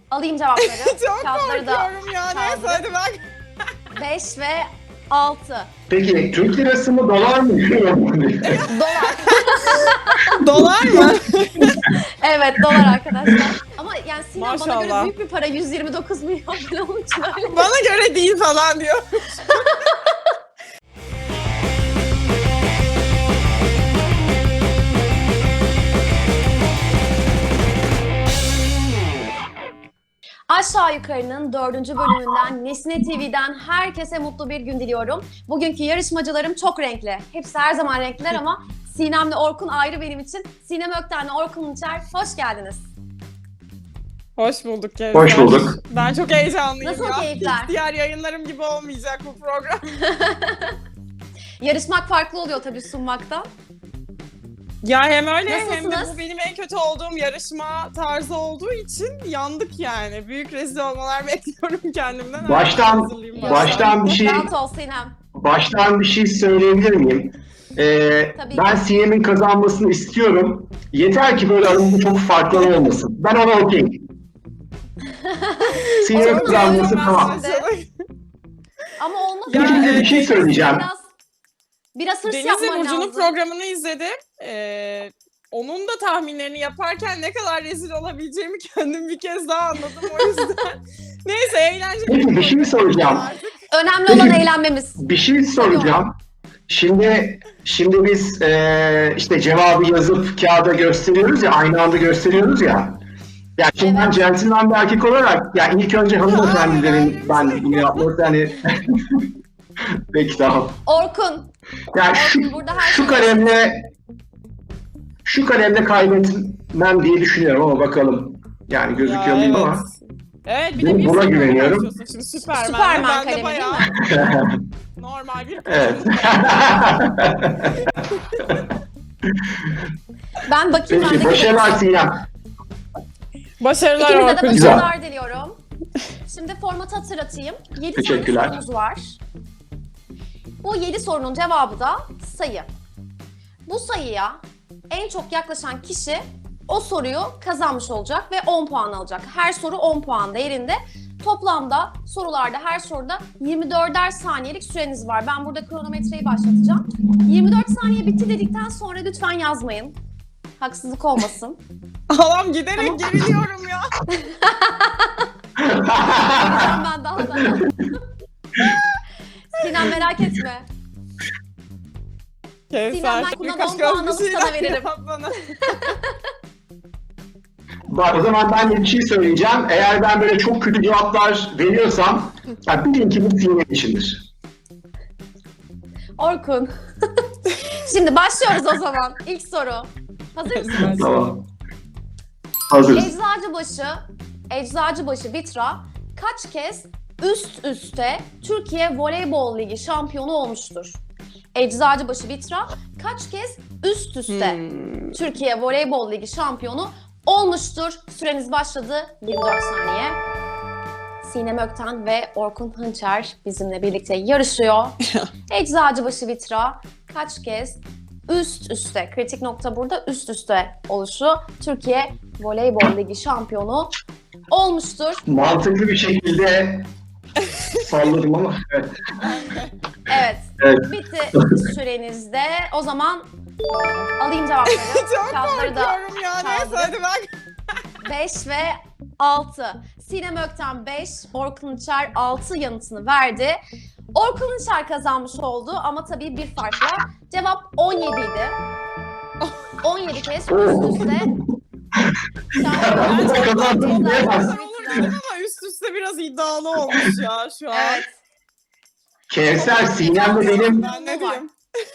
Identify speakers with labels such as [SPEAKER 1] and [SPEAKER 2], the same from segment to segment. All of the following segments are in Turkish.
[SPEAKER 1] Alayım cevapları.
[SPEAKER 2] Çok
[SPEAKER 1] Kağıtları da
[SPEAKER 2] korkuyorum ya. Neyse
[SPEAKER 1] kaldırıp.
[SPEAKER 2] hadi bak.
[SPEAKER 1] 5 ve 6.
[SPEAKER 3] Peki Türk lirası mı dolar mı?
[SPEAKER 1] Dolar.
[SPEAKER 2] Dolar mı?
[SPEAKER 1] Evet, dolar arkadaşlar. Ama yani Sinem bana göre
[SPEAKER 2] Maşallah.
[SPEAKER 1] büyük bir para. 129 milyon falan onun için öyle.
[SPEAKER 2] Bana göre değil falan diyor.
[SPEAKER 1] Aşağı Yukarı'nın 4. bölümünden Nesne TV'den herkese mutlu bir gün diliyorum. Bugünkü yarışmacılarım çok renkli. Hepsi her zaman renkliler ama Sinem'le Orkun ayrı benim için. Sinem Ökten'le Orkun Uçer, hoş geldiniz.
[SPEAKER 2] Hoş bulduk Kevser.
[SPEAKER 3] Hoş bulduk.
[SPEAKER 2] Ben çok heyecanlıyım
[SPEAKER 1] Nasıl
[SPEAKER 2] ya.
[SPEAKER 1] keyifler?
[SPEAKER 2] Hiç diğer yayınlarım gibi olmayacak bu program.
[SPEAKER 1] Yarışmak farklı oluyor tabii sunmaktan.
[SPEAKER 2] Ya hem öyle hem de
[SPEAKER 1] Nasılsınız?
[SPEAKER 2] bu benim en kötü olduğum yarışma tarzı olduğu için yandık yani. Büyük rezil olmalar bekliyorum kendimden.
[SPEAKER 3] Baştan bir şey
[SPEAKER 1] Rahat ol Sinem.
[SPEAKER 3] baştan bir şey söyleyebilir miyim?
[SPEAKER 1] Tabii
[SPEAKER 3] Ben
[SPEAKER 1] ki.
[SPEAKER 3] Sinem'in kazanmasını istiyorum. Yeter ki böyle aramızda çok farklar olmasın. Ben ona okeyim. Sinem'in kazanması tamam.
[SPEAKER 1] Ama olmaz.
[SPEAKER 2] Ya,
[SPEAKER 3] Peki bir şey söyleyeceğim.
[SPEAKER 1] Biraz hırs
[SPEAKER 2] Deniz'le
[SPEAKER 1] yapman
[SPEAKER 2] Burcu'nun
[SPEAKER 1] lazım.
[SPEAKER 2] programını izledim. Onun da tahminlerini yaparken ne kadar rezil olabileceğimi kendim bir kez daha anladım o yüzden. Neyse eğlenceli.
[SPEAKER 3] Peki bir şey soracağım.
[SPEAKER 1] Önemli olan eğlenmemiz.
[SPEAKER 3] Bir şey soracağım. Şimdi biz işte cevabı yazıp kağıda gösteriyoruz ya, aynı anda gösteriyoruz ya. Yani şimdi ben
[SPEAKER 1] Evet.
[SPEAKER 3] centilmen bir erkek olarak, yani ilk önce hanımefendilerin ben bunu yapması hani peki tamam.
[SPEAKER 1] Orkun.
[SPEAKER 3] Yani
[SPEAKER 1] Orkun burada her
[SPEAKER 3] şu kalemle kaybetmem diye düşünüyorum ama bakalım. Yani gözüküyor muyum ama.
[SPEAKER 2] Evet bir
[SPEAKER 3] Ben
[SPEAKER 2] de bir
[SPEAKER 3] buna
[SPEAKER 2] sıfır
[SPEAKER 3] güveniyorum.
[SPEAKER 2] başlıyorsun Şimdi Süperman.
[SPEAKER 1] Süperman
[SPEAKER 2] Ben de
[SPEAKER 1] kalemi değil
[SPEAKER 2] bayağı
[SPEAKER 1] mi?
[SPEAKER 2] normal bir
[SPEAKER 3] Evet.
[SPEAKER 1] Ben bakayım ben
[SPEAKER 3] Peki
[SPEAKER 1] de
[SPEAKER 3] başarılar Sinem.
[SPEAKER 2] Başarılar
[SPEAKER 1] İkinize de
[SPEAKER 2] Orkun.
[SPEAKER 3] Güzel.
[SPEAKER 1] başarılar diliyorum. Şimdi formatı hatırlatayım. 7 tane
[SPEAKER 3] Teşekkürler.
[SPEAKER 1] sorumuz var. Bu 7 sorunun cevabı da sayı. Bu sayıya en çok yaklaşan kişi o soruyu kazanmış olacak ve 10 puan alacak. Her soru 10 puan değerinde. Toplamda sorularda her soruda 24'er saniyelik süreniz var. Ben burada kronometreyi başlatacağım. 24 saniye bitti dedikten sonra lütfen yazmayın. Haksızlık olmasın.
[SPEAKER 2] Allah'ım giderek geriliyorum ya.
[SPEAKER 1] Gideceğim ben daha da. Sinem merak etme.
[SPEAKER 2] Kevser,
[SPEAKER 1] ben bundan
[SPEAKER 2] birkaç
[SPEAKER 1] 10 puan
[SPEAKER 2] göz bir
[SPEAKER 1] alıp sana
[SPEAKER 2] şeyler
[SPEAKER 1] veririm.
[SPEAKER 2] yap bana.
[SPEAKER 3] Bak o zaman ben de bir şey söyleyeceğim. Eğer ben böyle çok kötü cevaplar veriyorsam, ya bilin ki bu Sinem içindir.
[SPEAKER 1] Orkun. Şimdi başlıyoruz o zaman. İlk soru. Hazır mısınız?
[SPEAKER 3] Tamam. Hazırız.
[SPEAKER 1] Eczacıbaşı Vitra kaç kez üst üste Türkiye Voleybol Ligi şampiyonu olmuştur? Eczacıbaşı Vitra kaç kez üst üste Türkiye Voleybol Ligi şampiyonu olmuştur? Süreniz başladı. 24 saniye. Sinem Ökten ve Orkun Hınçer bizimle birlikte yarışıyor. Eczacıbaşı Vitra kaç kez üst üste, kritik nokta burada üst üste oluşu Türkiye Voleybol Ligi şampiyonu olmuştur.
[SPEAKER 3] Mantıklı bir şekilde salladım ama evet.
[SPEAKER 1] Evet,
[SPEAKER 3] Evet.
[SPEAKER 1] bitti sürenizde. O zaman alayım cevapları.
[SPEAKER 2] Çok
[SPEAKER 1] Kağıtları da
[SPEAKER 2] korkuyorum ya. Neyse
[SPEAKER 1] kaldırıp.
[SPEAKER 2] hadi bak.
[SPEAKER 1] 5 ve 6. Sinem Ökten 5, Orkun Uçer 6 yanıtını verdi. Orkun Uçer kazanmış oldu ama tabii bir farkla. Cevap 17 idi. 17 kez üst üste.
[SPEAKER 3] Ben de kazandım diyemez.
[SPEAKER 2] Olur dedim ama üst üste biraz iddialı olmuş ya şu an.
[SPEAKER 1] Evet.
[SPEAKER 3] Kevser, Sinem'le benim
[SPEAKER 2] Ben ne diyeyim?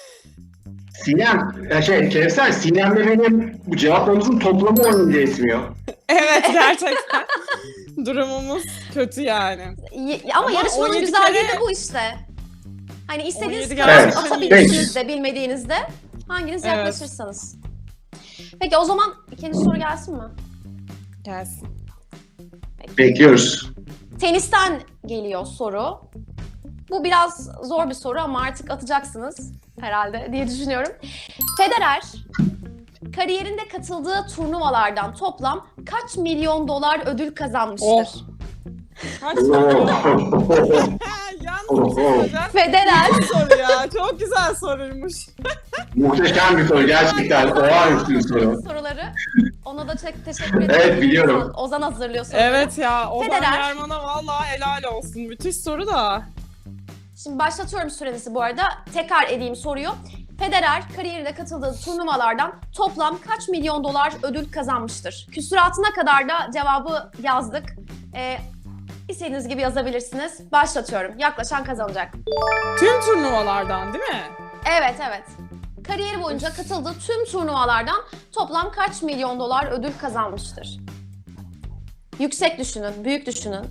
[SPEAKER 3] Kevser, Sinem'le benim bu cevaplarımızın toplamı 17 etmiyor.
[SPEAKER 2] Evet gerçekten. Durumumuz kötü yani.
[SPEAKER 1] Ama
[SPEAKER 2] Ama
[SPEAKER 1] yarışmanın
[SPEAKER 2] 17
[SPEAKER 1] güzelliği
[SPEAKER 2] kere-
[SPEAKER 1] de bu işte. Hani istediğiniz
[SPEAKER 2] 17
[SPEAKER 1] kadar
[SPEAKER 3] Evet,
[SPEAKER 1] atabilirsiniz de bilmediğinizde. Hanginiz
[SPEAKER 2] Evet.
[SPEAKER 1] yaklaşırsanız. Peki o zaman ikinci soru gelsin mi?
[SPEAKER 2] Gelsin.
[SPEAKER 3] Bekliyoruz.
[SPEAKER 1] Tenisten geliyor soru. Bu biraz zor bir soru ama artık atacaksınız herhalde diye düşünüyorum. Federer kariyerinde katıldığı turnuvalardan toplam kaç milyon dolar ödül kazanmıştır?
[SPEAKER 2] Oh. Kaç milyon? Yalnız bir şey söyleyeceğim.
[SPEAKER 1] Federer,
[SPEAKER 2] Güzel soru ya. Çok güzel soruymuş.
[SPEAKER 3] Muhteşem bir soru gerçekten. Olağanüstü bir soru.
[SPEAKER 1] soruları. Ona da çok teşekkür ederim.
[SPEAKER 3] Evet, biliyorum.
[SPEAKER 1] Ozan hazırlıyor soruları.
[SPEAKER 2] Evet ya. Ozan
[SPEAKER 1] Federer.
[SPEAKER 2] German'a vallahi helal olsun. Müthiş soru da.
[SPEAKER 1] Şimdi başlatıyorum sürenizi bu arada. Tekrar edeyim soruyu. Federer kariyerinde katıldığı turnuvalardan toplam kaç milyon dolar ödül kazanmıştır? Küsuratına kadar da cevabı yazdık. İstediğiniz gibi yazabilirsiniz. Başlatıyorum. Yaklaşan kazanacak.
[SPEAKER 2] Tüm turnuvalardan değil mi?
[SPEAKER 1] Evet, evet. Kariyeri boyunca katıldığı tüm turnuvalardan toplam kaç milyon dolar ödül kazanmıştır? Yüksek düşünün, büyük düşünün.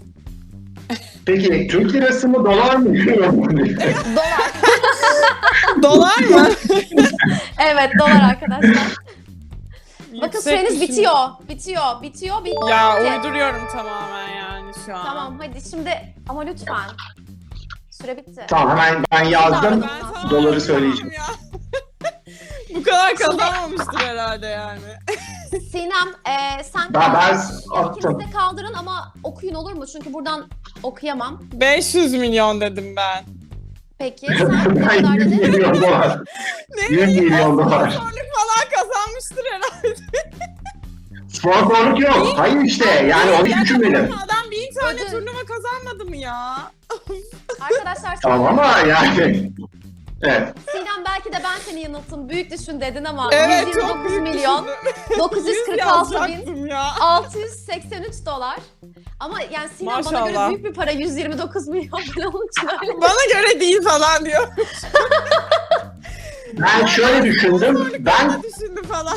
[SPEAKER 3] Peki Türk lirası mı dolar mı?
[SPEAKER 1] Dolar.
[SPEAKER 2] Dolar mı?
[SPEAKER 1] Evet, dolar arkadaşlar. Bakın
[SPEAKER 2] Yüksek
[SPEAKER 1] süreniz
[SPEAKER 2] düşün-
[SPEAKER 1] bitiyor. Bitti.
[SPEAKER 2] Ya uyduruyorum tamamen yani şu an.
[SPEAKER 1] Tamam, hadi şimdi ama lütfen. Süre bitti.
[SPEAKER 3] Tamam, hemen ben yazdım.
[SPEAKER 2] Ben tamamen
[SPEAKER 3] Doları söyleyeceğim.
[SPEAKER 2] ya. Bu kadar kazanmamıştır herhalde yani.
[SPEAKER 1] Sinem, sen
[SPEAKER 3] Ben
[SPEAKER 1] ikiniz
[SPEAKER 3] attım.
[SPEAKER 1] de kaldırın ama okuyun olur mu? Çünkü buradan okuyamam.
[SPEAKER 2] 500 milyon dedim ben.
[SPEAKER 1] Peki, sen ne
[SPEAKER 3] Ben
[SPEAKER 1] kadar
[SPEAKER 3] 100
[SPEAKER 1] dedin?
[SPEAKER 3] milyon dolar. 100 milyon dolar.
[SPEAKER 2] Sponsorluk falan kazanmıştır herhalde.
[SPEAKER 3] Sponsorluk yok. Hayır işte yani onu hiç düşünmedim.
[SPEAKER 2] Adam 1000 tane
[SPEAKER 1] Ödül.
[SPEAKER 2] turnuva kazanmadı mı ya?
[SPEAKER 1] Arkadaşlar
[SPEAKER 3] Tamam ama yani. Evet.
[SPEAKER 1] Sinem belki de ben seni yanılttım. Büyük düşün dedin ama
[SPEAKER 2] Evet
[SPEAKER 1] 129
[SPEAKER 2] çok büyük
[SPEAKER 1] milyon,
[SPEAKER 2] düşündüm.
[SPEAKER 1] 946 bin,
[SPEAKER 2] yazacaktım ya.
[SPEAKER 1] 683 dolar. Ama yani Sinem bana göre
[SPEAKER 2] Maşallah.
[SPEAKER 1] büyük bir para 129 milyon falan onun için öyle.
[SPEAKER 2] Bana göre değil falan diyor.
[SPEAKER 3] Ben şöyle düşündüm. Ben
[SPEAKER 2] Düşündü falan.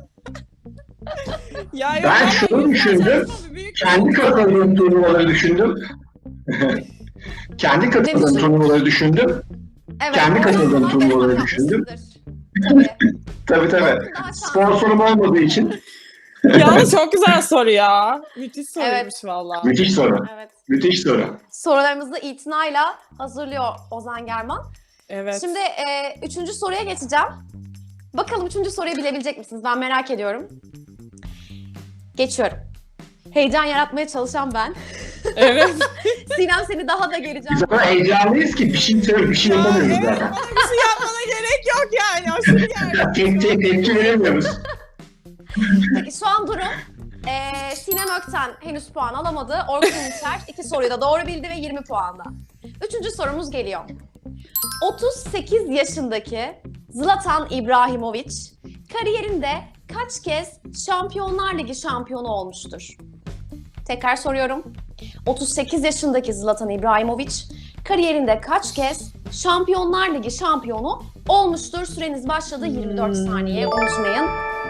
[SPEAKER 2] Ya yok,
[SPEAKER 3] Ben
[SPEAKER 2] ama
[SPEAKER 3] şunu
[SPEAKER 2] 100
[SPEAKER 3] düşündüm.
[SPEAKER 2] yazacaksın, büyük
[SPEAKER 3] kendi katıldığım turnuvaları düşündüm. Kendi katıldığım turnuvaları düşündüm.
[SPEAKER 1] Evet.
[SPEAKER 3] Kendi
[SPEAKER 1] o
[SPEAKER 3] katıldığım
[SPEAKER 1] zaman
[SPEAKER 3] turnuvaları
[SPEAKER 1] benim
[SPEAKER 3] düşündüm.
[SPEAKER 1] haklısındır. Tabii.
[SPEAKER 3] Tabii.
[SPEAKER 1] Daha şanslı.
[SPEAKER 3] Sponsorum olmadığı için.
[SPEAKER 2] Yalnız çok güzel soru ya. Müthiş soruymuş
[SPEAKER 1] Evet.
[SPEAKER 2] valla.
[SPEAKER 3] Müthiş soru.
[SPEAKER 1] Evet.
[SPEAKER 3] Müthiş soru.
[SPEAKER 1] Sorularımızı itinayla hazırlıyor Ozan German.
[SPEAKER 2] Evet.
[SPEAKER 1] Şimdi 3. soruya geçeceğim. Bakalım 3. soruyu bilebilecek misiniz? Ben merak ediyorum. Geçiyorum. Heyecan yaratmaya çalışan ben.
[SPEAKER 2] Evet.
[SPEAKER 1] Sinem seni daha da gereceğim.
[SPEAKER 3] Biz o kadar heyecanlıyız ki bir şey söyle, bir şey
[SPEAKER 2] Ya,
[SPEAKER 3] yapamıyoruz
[SPEAKER 2] evet,
[SPEAKER 3] zaten.
[SPEAKER 2] bana bir şey yapmana gerek yok yani. Aşırı gergin.
[SPEAKER 3] Tepki veremiyoruz.
[SPEAKER 1] Peki şu an durum. Sinem Ökten henüz puan alamadı. Orkun Ünçer 2 soruyu da doğru bildi ve 20 puanda. 3. sorumuz geliyor. 38 yaşındaki Zlatan İbrahimović kariyerinde kaç kez Şampiyonlar Ligi şampiyonu olmuştur? Tekrar soruyorum. 38 yaşındaki Zlatan İbrahimović kariyerinde kaç kez Şampiyonlar Ligi şampiyonu olmuştur? Süreniz başladı. 24 saniye. Unutmayın.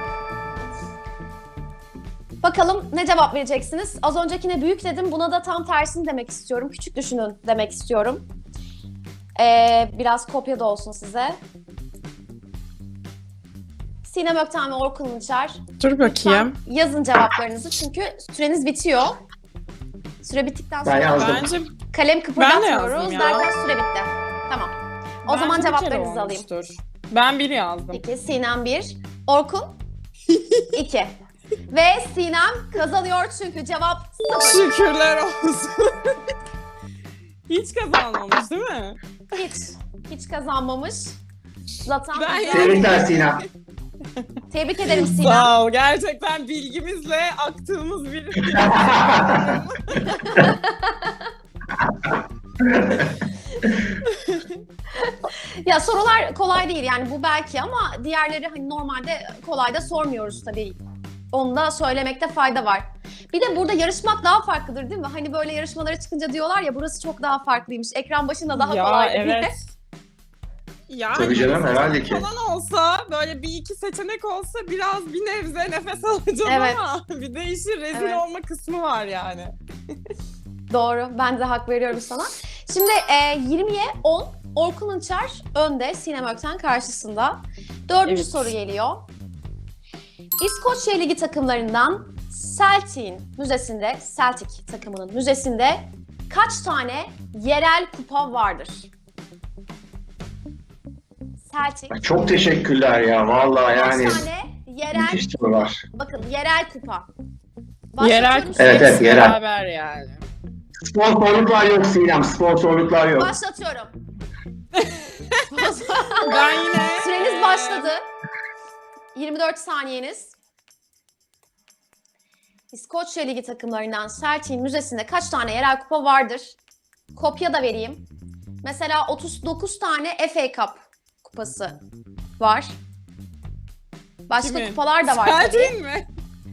[SPEAKER 1] Bakalım ne cevap vereceksiniz? Az öncekine büyük dedim. Buna da tam tersini demek istiyorum. Küçük düşünün demek istiyorum. Biraz kopya da olsun size. Sinem Ökten ve Orkun Ünçer.
[SPEAKER 2] Dur bakayım.
[SPEAKER 1] Yazın cevaplarınızı çünkü süreniz bitiyor. Süre bittikten
[SPEAKER 3] Ben
[SPEAKER 1] sonra
[SPEAKER 3] yazdım.
[SPEAKER 2] Bence
[SPEAKER 1] kalem kıpırdatmıyoruz
[SPEAKER 2] yazdım ya.
[SPEAKER 1] derken süre bitti. Tamam. O zaman
[SPEAKER 2] bence bir kere
[SPEAKER 1] cevaplarınızı alayım.
[SPEAKER 2] olmuştur. Ben bir yazdım.
[SPEAKER 1] Peki Sinem 1, Orkun 2. Ve Sinem kazanıyor çünkü cevap 0.
[SPEAKER 2] Şükürler olsun. Hiç kazanmamış değil mi?
[SPEAKER 1] Hiç kazanmamış. Zlatan
[SPEAKER 2] Ben
[SPEAKER 1] İbrahimović.
[SPEAKER 3] Tebrikler Sinem.
[SPEAKER 1] Tebrik ederim Sinem.
[SPEAKER 2] Sağ ol. Gerçekten bilgimizle aktığımız bir...
[SPEAKER 1] Ya sorular kolay değil yani bu belki ama diğerleri hani normalde kolay da sormuyoruz tabii. Onu da söylemekte fayda var. Bir de burada yarışmak daha farklıdır değil mi? Hani böyle yarışmalara çıkınca diyorlar ya burası çok daha farklıymış. Ekran başında daha
[SPEAKER 2] ya
[SPEAKER 1] kolay diye.
[SPEAKER 2] evet. Yani
[SPEAKER 3] Tabii canım, herhalde ki.
[SPEAKER 2] falan olsa böyle bir iki seçenek olsa biraz bir nebze nefes alacağız
[SPEAKER 1] Evet.
[SPEAKER 2] ama bir de işin rezil
[SPEAKER 1] Evet.
[SPEAKER 2] olma kısmı var yani.
[SPEAKER 1] Doğru. Ben de hak veriyorum sana. Şimdi 20'ye 10. Orkun Ünçer önde. Sinem Ökten karşısında. 4.
[SPEAKER 2] Evet.
[SPEAKER 1] soru geliyor. İskoçya Ligi takımlarından Celtic takımının müzesinde kaç tane yerel kupa vardır? Celtic
[SPEAKER 3] Çok teşekkürler ya vallahi yani.
[SPEAKER 1] kaç tane Yerel,
[SPEAKER 3] Müthiş sorular.
[SPEAKER 1] bakın yerel kupa.
[SPEAKER 2] Yerel
[SPEAKER 1] Başlatıyorum
[SPEAKER 3] Evet,
[SPEAKER 1] şimdi.
[SPEAKER 3] evet, yerel.
[SPEAKER 2] beraber yani.
[SPEAKER 3] Sponsorluklar yok Sinem, sponsorluklar yok.
[SPEAKER 1] Başlatıyorum.
[SPEAKER 2] Ben yine...
[SPEAKER 1] Süreniz başladı. 24 saniyeniz. İskoçya Ligi takımlarından Celtic'in müzesinde kaç tane yerel kupa vardır? Kopya da vereyim. Mesela 39 tane FA Cup kupası var. Başka
[SPEAKER 2] Kimin?
[SPEAKER 1] kupalar da var tabii.
[SPEAKER 2] Celtic'in mi?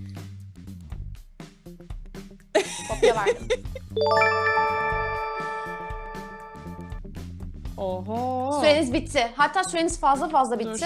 [SPEAKER 1] Kopya verdim.
[SPEAKER 2] Oho.
[SPEAKER 1] Süreniz bitti. Hatta süreniz fazla bitti.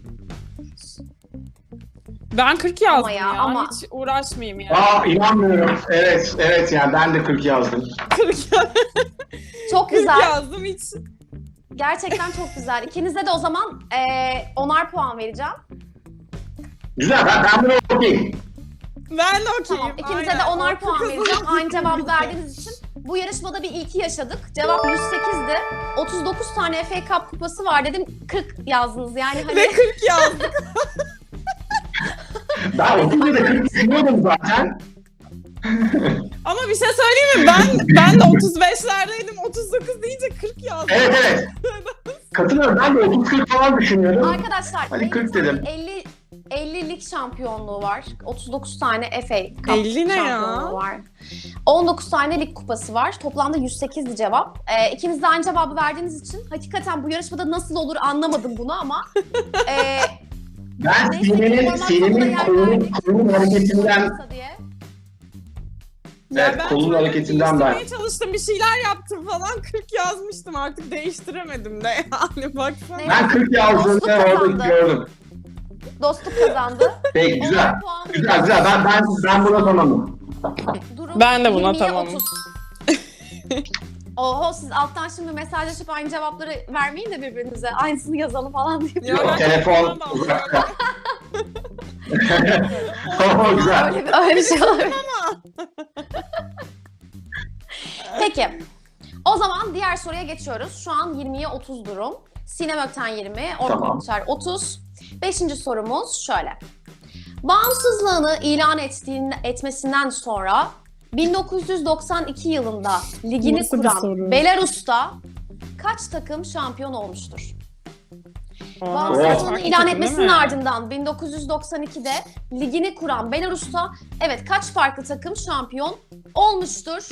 [SPEAKER 2] Ben 40 yazdım
[SPEAKER 1] Ama
[SPEAKER 2] ya.
[SPEAKER 1] ama-
[SPEAKER 2] Hiç uğraşmayayım yani.
[SPEAKER 3] Aa inanmıyorum. Evet yani ben de 40 yazdım.
[SPEAKER 2] 40
[SPEAKER 1] Çok güzel.
[SPEAKER 2] yazdım hiç.
[SPEAKER 1] Gerçekten çok güzel. İkinize de o zaman 10'ar puan vereceğim.
[SPEAKER 3] Güzel, ben bunu okuyayım.
[SPEAKER 2] Ben de okeyim.
[SPEAKER 1] Tamam. İkinize de
[SPEAKER 2] aynen.
[SPEAKER 1] 10'ar puan vereceğim. Aynı cevabı verdiğiniz için. Bu yarışmada bir ilki yaşadık. Cevap 108'di. 39 tane FA Cup kupası var dedim. 40 yazdınız yani hani.
[SPEAKER 2] Ve 40 yazdım.
[SPEAKER 3] Ben okuyunca da 40 düşünüyordum zaten.
[SPEAKER 2] Ama bir şey söyleyeyim mi? Ben de 35'lerdeydim. 39 deyince 40 yazdım.
[SPEAKER 3] Evet. Katılıyorum, ben de 30-40 falan düşünüyordum.
[SPEAKER 1] Arkadaşlar
[SPEAKER 3] Hadi 40 dedim.
[SPEAKER 1] 50 lig şampiyonluğu var. 39 tane FA Cup
[SPEAKER 2] 50 ne ya?
[SPEAKER 1] şampiyonluğu var. 19 tane lig kupası var. Toplamda 108'di cevap. İkiniz de aynı cevabı verdiğiniz için hakikaten bu yarışmada nasıl olur anlamadım bunu ama
[SPEAKER 3] Ben
[SPEAKER 1] neyse ki format
[SPEAKER 3] Sinem'in
[SPEAKER 1] sonuna yer verdik.
[SPEAKER 3] kolun hareketinden,
[SPEAKER 1] diye.
[SPEAKER 3] evet,
[SPEAKER 2] ben
[SPEAKER 3] kolun
[SPEAKER 2] tuvaleti
[SPEAKER 3] hareketinden ben.
[SPEAKER 2] değiştirmeye çalıştım. Bir şeyler yaptım falan. 40 yazmıştım. Artık değiştiremedim de yani. Baksana.
[SPEAKER 1] Ne?
[SPEAKER 3] Ben 40 yazdığımda
[SPEAKER 1] Dostluk
[SPEAKER 3] orada
[SPEAKER 1] kazandı.
[SPEAKER 3] gördüm.
[SPEAKER 1] Dostluk kazandı.
[SPEAKER 3] Peki güzel.
[SPEAKER 1] 10'ar puan
[SPEAKER 3] Güzel
[SPEAKER 1] veriyorum.
[SPEAKER 3] ben buna tamamım.
[SPEAKER 1] Durum
[SPEAKER 2] Ben de buna
[SPEAKER 1] 20'ye
[SPEAKER 2] tamamım.
[SPEAKER 1] 30. Oho siz alttan şimdi mesajlaşıp aynı cevapları vermeyin de birbirinize. Aynısını yazalım falan diye.
[SPEAKER 2] Ya ben
[SPEAKER 3] Telefon
[SPEAKER 2] telefondan da
[SPEAKER 3] uzakta.
[SPEAKER 2] alıyorum.
[SPEAKER 3] Tamam güzel.
[SPEAKER 1] Öyle bir şey olabilir. Peki. O zaman diğer soruya geçiyoruz. Şu an 20'ye 30 durum. Sinem Ökten 20, Orkun
[SPEAKER 3] Tamam.
[SPEAKER 1] Uçar 30. 5. sorumuz şöyle. Bağımsızlığını ilan etmesinden sonra 1992 yılında ligini
[SPEAKER 2] Nasıl bir
[SPEAKER 1] kuran
[SPEAKER 2] soru?
[SPEAKER 1] Belarus'ta kaç takım şampiyon olmuştur?
[SPEAKER 2] Oha,
[SPEAKER 1] Bağımsızlığını
[SPEAKER 2] farklı
[SPEAKER 1] ilan
[SPEAKER 2] takım
[SPEAKER 1] etmesinin
[SPEAKER 2] değil mi?
[SPEAKER 1] ardından 1992'de ligini kuran Belarus'ta evet kaç farklı takım şampiyon olmuştur?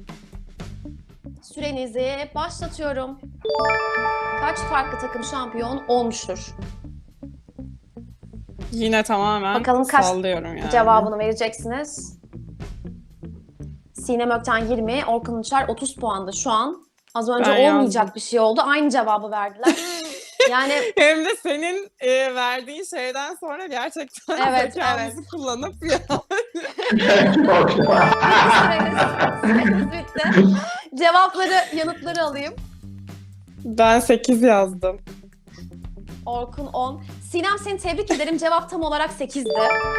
[SPEAKER 1] Sürenizi başlatıyorum. Kaç farklı takım şampiyon olmuştur?
[SPEAKER 2] Yine tamamen
[SPEAKER 1] Bakalım kaç
[SPEAKER 2] sallıyorum yani.
[SPEAKER 1] Cevabını vereceksiniz. Sinem Ökten 20, Orkun Uçar 30 puanda şu an. Az önce
[SPEAKER 2] Ben
[SPEAKER 1] olmayacak
[SPEAKER 2] yazdım.
[SPEAKER 1] bir şey oldu. Aynı cevabı verdiler. Yani
[SPEAKER 2] Hem de senin verdiğin şeyden sonra gerçekten
[SPEAKER 1] Evet,
[SPEAKER 2] zekamızı kullanıp ya.
[SPEAKER 1] süreniz bitti. Cevapları, yanıtları alayım.
[SPEAKER 2] Ben 8 yazdım.
[SPEAKER 1] Orkun 10. Sinem seni tebrik ederim. Cevap tam olarak 8'di.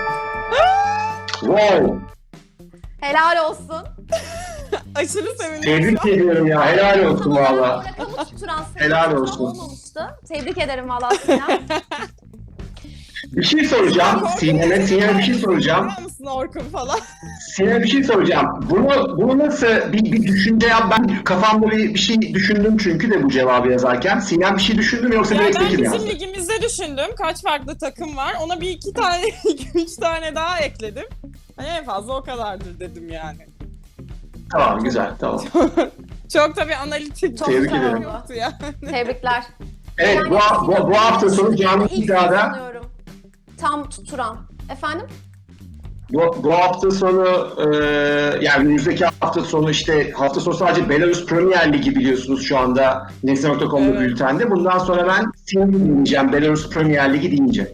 [SPEAKER 3] Wow.
[SPEAKER 1] Helal olsun.
[SPEAKER 2] Aşırı sevindim.
[SPEAKER 3] Tebrik ediyorum ya. Helal olsun
[SPEAKER 1] Tam olarak
[SPEAKER 3] valla.
[SPEAKER 1] o rakamı tutturan
[SPEAKER 3] Helal
[SPEAKER 1] sayı
[SPEAKER 3] olsun.
[SPEAKER 1] olmamıştı. Tebrik ederim valla Sinem.
[SPEAKER 3] Bir şey soracağım. Sinem'e bir şey soracağım.
[SPEAKER 2] Biliyor musun Orkun falan?
[SPEAKER 3] Sinem'e bir şey soracağım. Bunu nasıl bir düşünce yap? Ben kafamda bir şey düşündüm çünkü de bu cevabı yazarken. Sinem bir şey düşündüm yoksa
[SPEAKER 2] Ya
[SPEAKER 3] direkt
[SPEAKER 2] ben
[SPEAKER 3] 8 mi
[SPEAKER 2] bizim
[SPEAKER 3] yazdı?
[SPEAKER 2] ligimizde düşündüm. Kaç farklı takım var. Ona bir iki tane, üç tane daha ekledim. Hani en fazla o kadardır dedim yani.
[SPEAKER 3] Tamam güzel tamam.
[SPEAKER 2] Çok tabii analitik.
[SPEAKER 1] Çok
[SPEAKER 3] Tebrik
[SPEAKER 1] güzel
[SPEAKER 3] ederim.
[SPEAKER 1] oldu.
[SPEAKER 2] Yoktu ya.
[SPEAKER 1] Tebrikler.
[SPEAKER 3] Evet bu hafta sonu canlı
[SPEAKER 1] İlk
[SPEAKER 3] iddiada
[SPEAKER 1] sanıyorum. Tam tutturan. Efendim?
[SPEAKER 3] bu hafta sonu yani önümüzdeki hafta sonu işte hafta sonu sadece Belarus Premier Ligi biliyorsunuz şu anda Nesne.com'da
[SPEAKER 2] Evet.
[SPEAKER 3] bültende. Bundan sonra ben Sinem'i dinleyeceğim. Belarus Premier Ligi deyince.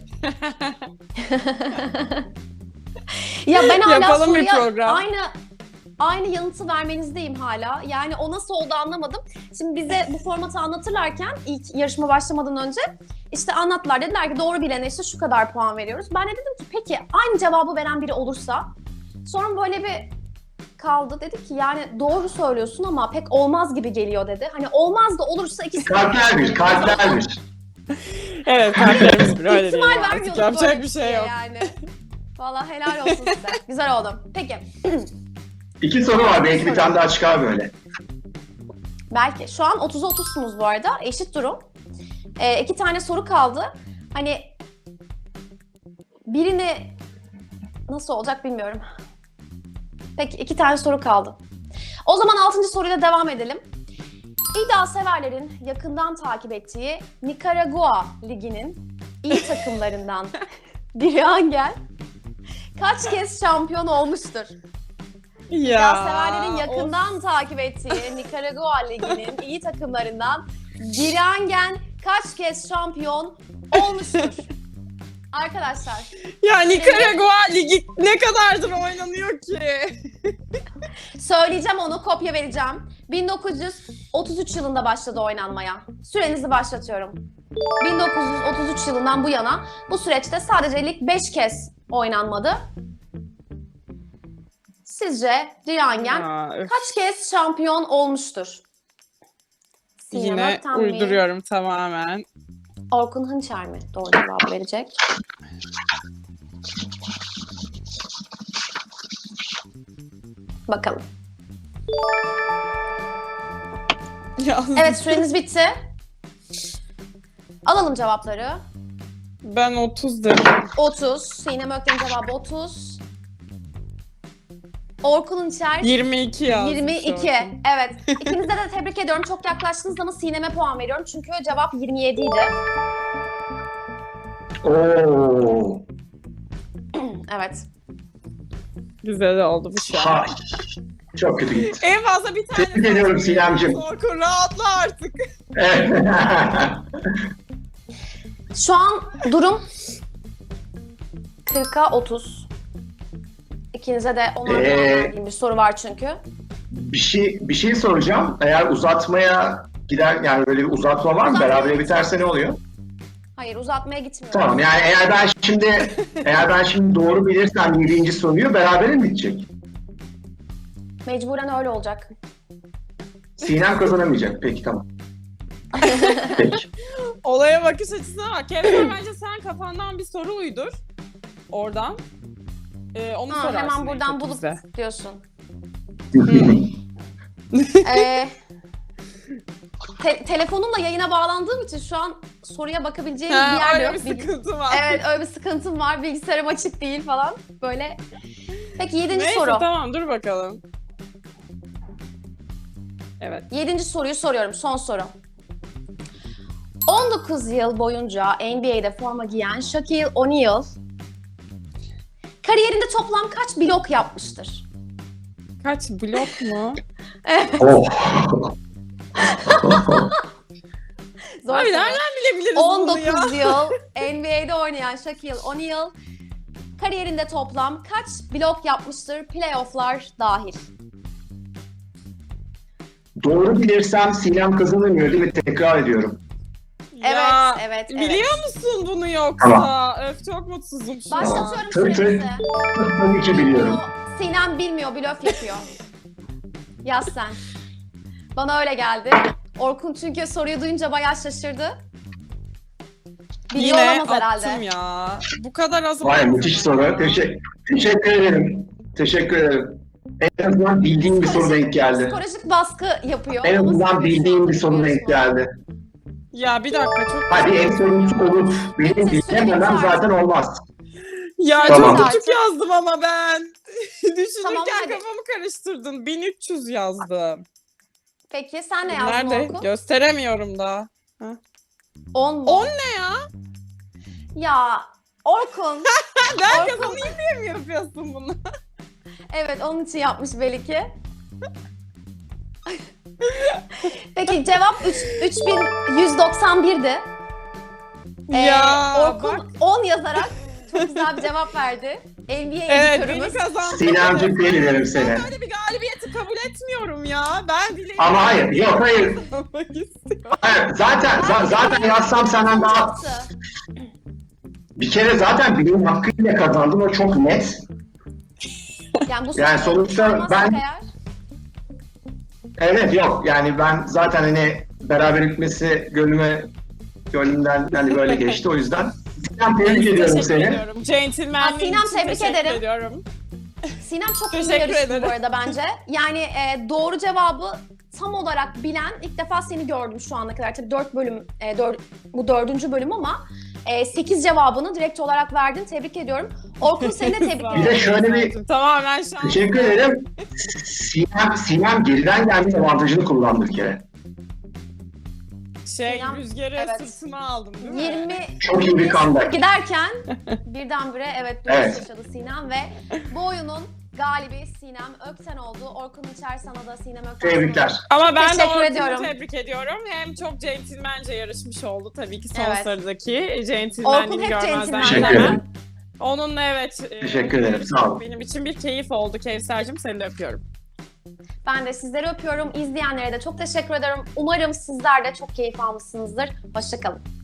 [SPEAKER 1] Ya ben hala
[SPEAKER 2] Yapalım bir
[SPEAKER 1] soruya
[SPEAKER 2] program.
[SPEAKER 1] aynı yanıtı vermenizdeyim hala. Yani o nasıl oldu anlamadım. Şimdi bize bu formatı anlatırlarken ilk yarışma başlamadan önce işte anlattılar. Dediler ki doğru bilene işte şu kadar puan veriyoruz. Ben de dedim ki peki aynı cevabı veren biri olursa? Sonra böyle bir kaldı. Dedi ki yani doğru söylüyorsun ama pek olmaz gibi geliyor dedi. Hani olmaz da olursa ikisi...
[SPEAKER 3] Kalpler bir.
[SPEAKER 2] Evet, kalplerimiz bir öyle
[SPEAKER 1] İhtimal
[SPEAKER 2] diyelim artık.
[SPEAKER 1] vermiyorduk
[SPEAKER 2] Yapacak
[SPEAKER 1] böyle
[SPEAKER 2] bir şey yok.
[SPEAKER 1] yani. Valla helal olsun size. Güzel oldu. Peki.
[SPEAKER 3] 2 soru var. Belki bir tane daha çıkar böyle.
[SPEAKER 1] Belki. Şu an 30'a 30'sunuz bu arada. Eşit durum. 2 tane soru kaldı. Hani birini nasıl olacak bilmiyorum. Peki 2 tane soru kaldı. O zaman 6. soruyla devam edelim. İddia severlerin yakından takip ettiği Nikaragua Ligi'nin iyi takımlarından biri Angel kaç kez şampiyon olmuştur? İddia severlerin yakından takip ettiği Nikaragua Ligi'nin iyi takımlarından biri Angel kaç kez şampiyon olmuştur? Arkadaşlar.
[SPEAKER 2] Ya Nikaragua Ligi ne kadardır oynanıyor ki?
[SPEAKER 1] Söyleyeceğim onu, kopya vereceğim. 1933 yılında başladı oynanmaya. Sürenizi başlatıyorum. 1933 yılından bu yana bu süreçte sadece lig 5 kez oynanmadı. Sizce Dirangen
[SPEAKER 2] Ya, öf.
[SPEAKER 1] kaç kez şampiyon olmuştur? Sinem
[SPEAKER 2] Yine
[SPEAKER 1] Ökten mi?
[SPEAKER 2] uyduruyorum tamamen.
[SPEAKER 1] Orkun Hınçer mi doğru cevabı verecek? Bakalım.
[SPEAKER 2] Ya,
[SPEAKER 1] Evet, süreniz bitti. Alalım cevapları.
[SPEAKER 2] ben 30 dedim.
[SPEAKER 1] 30. Sinem Ökten'in cevabı 30. Orkun Hınçer
[SPEAKER 2] 22 yazmış.
[SPEAKER 1] 22.
[SPEAKER 2] Orkun.
[SPEAKER 1] Evet. İkinize de tebrik ediyorum. Çok yaklaştınız ama Sinem'e puan veriyorum. Çünkü cevap 27 idi.
[SPEAKER 3] Oo.
[SPEAKER 1] Evet.
[SPEAKER 2] Güzel oldu bu şey.
[SPEAKER 3] Ha. Çok kötü gitti.
[SPEAKER 2] En fazla bir tane.
[SPEAKER 3] Tebrik ediyorum Sinem'cim.
[SPEAKER 2] Orkun rahatla artık.
[SPEAKER 3] Evet.
[SPEAKER 1] Şu an durum 40'a 30. İkinize de onar puan verdiğim bir soru var çünkü.
[SPEAKER 3] bir şey soracağım. Eğer uzatmaya gider, yani böyle bir uzatma var mı?
[SPEAKER 1] Uzatmaya
[SPEAKER 3] Berabere biterse ne oluyor?
[SPEAKER 1] Hayır, uzatmaya gitmiyorum.
[SPEAKER 3] Tamam, yani eğer ben şimdi doğru bilirsem 7. soruyu berabere mi bitecek?
[SPEAKER 1] Mecburen öyle olacak.
[SPEAKER 3] Sinem kazanamayacak. Peki, tamam. Peki.
[SPEAKER 2] Olaya bakış açısına bak. Kevser, bence sen kafandan bir soru uydur. Oradan. Onu sorarsın.
[SPEAKER 1] Hemen buradan
[SPEAKER 2] en
[SPEAKER 1] bulup
[SPEAKER 2] bize.
[SPEAKER 1] diyorsun. Telefonumla yayına bağlandığım için şu an soruya bakabileceğim bir yer
[SPEAKER 2] Öyle
[SPEAKER 1] yok.
[SPEAKER 2] bir sıkıntı var.
[SPEAKER 1] Evet, öyle bir sıkıntım var. Bilgisayarım açık değil falan. Böyle. Peki 7.
[SPEAKER 2] Neyse,
[SPEAKER 1] soru.
[SPEAKER 2] tamam, dur bakalım. Evet.
[SPEAKER 1] 7. soruyu soruyorum. Son soru. 19 yıl boyunca NBA'de forma giyen Shaquille O'Neal kariyerinde toplam kaç blok yapmıştır?
[SPEAKER 2] Kaç blok mu?
[SPEAKER 3] Oh.
[SPEAKER 1] Zor
[SPEAKER 2] Abi
[SPEAKER 1] soru.
[SPEAKER 2] nereden bilebiliriz bunu ya?
[SPEAKER 1] 19 yıl NBA'de oynayan Shaquille O'Neal kariyerinde toplam kaç blok yapmıştır playofflar dahil?
[SPEAKER 3] Doğru bilirsem Sinem kazanamıyor değil mi? Tekrar ediyorum.
[SPEAKER 2] Ya,
[SPEAKER 1] Evet.
[SPEAKER 2] biliyor musun bunu yoksa?
[SPEAKER 3] Tamam.
[SPEAKER 2] Öf, çok mutsuzum şu an.
[SPEAKER 1] Başlatıyorum
[SPEAKER 3] Tabii,
[SPEAKER 1] sürenizi.
[SPEAKER 3] Tabii ki biliyorum.
[SPEAKER 1] Sinem bilmiyor, blöf yapıyor. Yaz sen. Bana öyle geldi. Orkun çünkü soruyu duyunca bayağı şaşırdı. Biliyor
[SPEAKER 2] Yine
[SPEAKER 1] olamaz herhalde.
[SPEAKER 2] attım ya. Bu kadar az
[SPEAKER 3] Vay,
[SPEAKER 2] olamaz
[SPEAKER 3] müthiş
[SPEAKER 2] ama
[SPEAKER 3] soru.
[SPEAKER 2] ya.
[SPEAKER 3] Teşekkür ederim. Teşekkür ederim. En azından bildiğim bir soru denk geldi.
[SPEAKER 1] Psikolojik baskı yapıyor.
[SPEAKER 3] En
[SPEAKER 1] Ama
[SPEAKER 3] azından
[SPEAKER 1] sen
[SPEAKER 3] bildiğim bir
[SPEAKER 1] şu
[SPEAKER 3] soru
[SPEAKER 1] anda
[SPEAKER 3] denk
[SPEAKER 1] bilmiyorsun.
[SPEAKER 3] geldi.
[SPEAKER 2] Ya bir dakika, çok...
[SPEAKER 3] Hadi en sonuncusu olup benim bilememem zaten olmaz.
[SPEAKER 2] Ya
[SPEAKER 3] Tamam.
[SPEAKER 2] çok küçük yazdım ama ben. Düşünürken
[SPEAKER 1] Tamam, hadi.
[SPEAKER 2] kafamı karıştırdın. 1300 yazdım.
[SPEAKER 1] Peki sen ne yazdın
[SPEAKER 2] Nerede?
[SPEAKER 1] Orkun?
[SPEAKER 2] Gösteremiyorum daha.
[SPEAKER 1] 10 mu?
[SPEAKER 2] 10 ne ya?
[SPEAKER 1] Ya Orkun.
[SPEAKER 2] Ben
[SPEAKER 1] Orkun.
[SPEAKER 2] kazanayım diye mi yapıyorsun bunu?
[SPEAKER 1] Evet, onun için yapmış belli ki. Peki cevap 3191'di.
[SPEAKER 2] Ya
[SPEAKER 1] Orkun
[SPEAKER 2] bak.
[SPEAKER 1] 10 yazarak çok güzel bir cevap verdi. NBA
[SPEAKER 2] Evet,
[SPEAKER 1] editörümüz.
[SPEAKER 2] beni kazandın.
[SPEAKER 3] Sinem'cim tebrik ederim seni.
[SPEAKER 2] Ben böyle bir galibiyeti kabul etmiyorum ya. Ben dileğimi
[SPEAKER 3] Ama hayır, yok hayır.
[SPEAKER 2] kazanmak istiyorum.
[SPEAKER 3] Hayır, zaten yazsam senden daha...
[SPEAKER 1] Yaptı.
[SPEAKER 3] Bir kere zaten bilim hakkıyla kazandım, o çok net.
[SPEAKER 1] Yani bu
[SPEAKER 3] Yani
[SPEAKER 1] soruyu
[SPEAKER 3] sonuçta
[SPEAKER 1] sormazsak
[SPEAKER 3] ben-
[SPEAKER 1] eğer,
[SPEAKER 3] Evet, yok yani ben zaten hani beraber bitmesi gönlüme Gönlümden hani böyle geçti o yüzden. Sinem tebrik ediyorum
[SPEAKER 2] Teşekkür
[SPEAKER 3] seni.
[SPEAKER 2] ediyorum. Centilmenliğin
[SPEAKER 1] Sinem,
[SPEAKER 2] için
[SPEAKER 1] tebrik
[SPEAKER 2] teşekkür
[SPEAKER 1] ederim.
[SPEAKER 2] ediyorum.
[SPEAKER 1] Sinem çok iyi bir
[SPEAKER 2] Teşekkür
[SPEAKER 1] yarıştı
[SPEAKER 2] ederim.
[SPEAKER 1] bu arada bence. Yani doğru cevabı tam olarak bilen ilk defa seni gördüm şu ana kadar. Tabii 4 bölüm, bu 4. bölüm ama 8 cevabını direkt olarak verdin. Tebrik ediyorum. Orkun seni de tebrik
[SPEAKER 2] Sağ ol.
[SPEAKER 3] Bir de
[SPEAKER 1] ederim.
[SPEAKER 3] şöyle bir
[SPEAKER 2] Tamamen şans.
[SPEAKER 3] teşekkür ederim. Sinem geriden gelme avantajını kullandı bir kere.
[SPEAKER 2] Sinem, rüzgarı
[SPEAKER 1] evet.
[SPEAKER 2] sırtıma aldım değil mi?
[SPEAKER 1] 20
[SPEAKER 3] Çok iyi bir comeback.
[SPEAKER 1] giderken birdenbire dönüş
[SPEAKER 3] Evet.
[SPEAKER 1] yaşadı Sinem ve bu oyunun galibi Sinem Ökten oldu. Orkun İçer sana da Sinem Ökten.
[SPEAKER 3] Tebrikler.
[SPEAKER 2] Ama ben de
[SPEAKER 1] Teşekkür
[SPEAKER 2] Orkun'u
[SPEAKER 1] ediyorum.
[SPEAKER 2] tebrik ediyorum. Hem çok centilmence yarışmış oldu tabii ki son
[SPEAKER 1] Evet.
[SPEAKER 2] sıradaki
[SPEAKER 1] Orkun
[SPEAKER 2] centilmenliğini
[SPEAKER 1] hep
[SPEAKER 2] görmezden
[SPEAKER 1] centilmen.
[SPEAKER 3] Teşekkür
[SPEAKER 2] gelemem.
[SPEAKER 3] ederim.
[SPEAKER 2] Onunla
[SPEAKER 3] Teşekkür ederim, sağ olun.
[SPEAKER 2] Benim için bir keyif oldu Kevser'cim. Seni de öpüyorum.
[SPEAKER 1] Ben de sizleri öpüyorum. İzleyenlere de çok teşekkür ederim. Umarım sizler de çok keyif almışsınızdır. Hoşça kalın.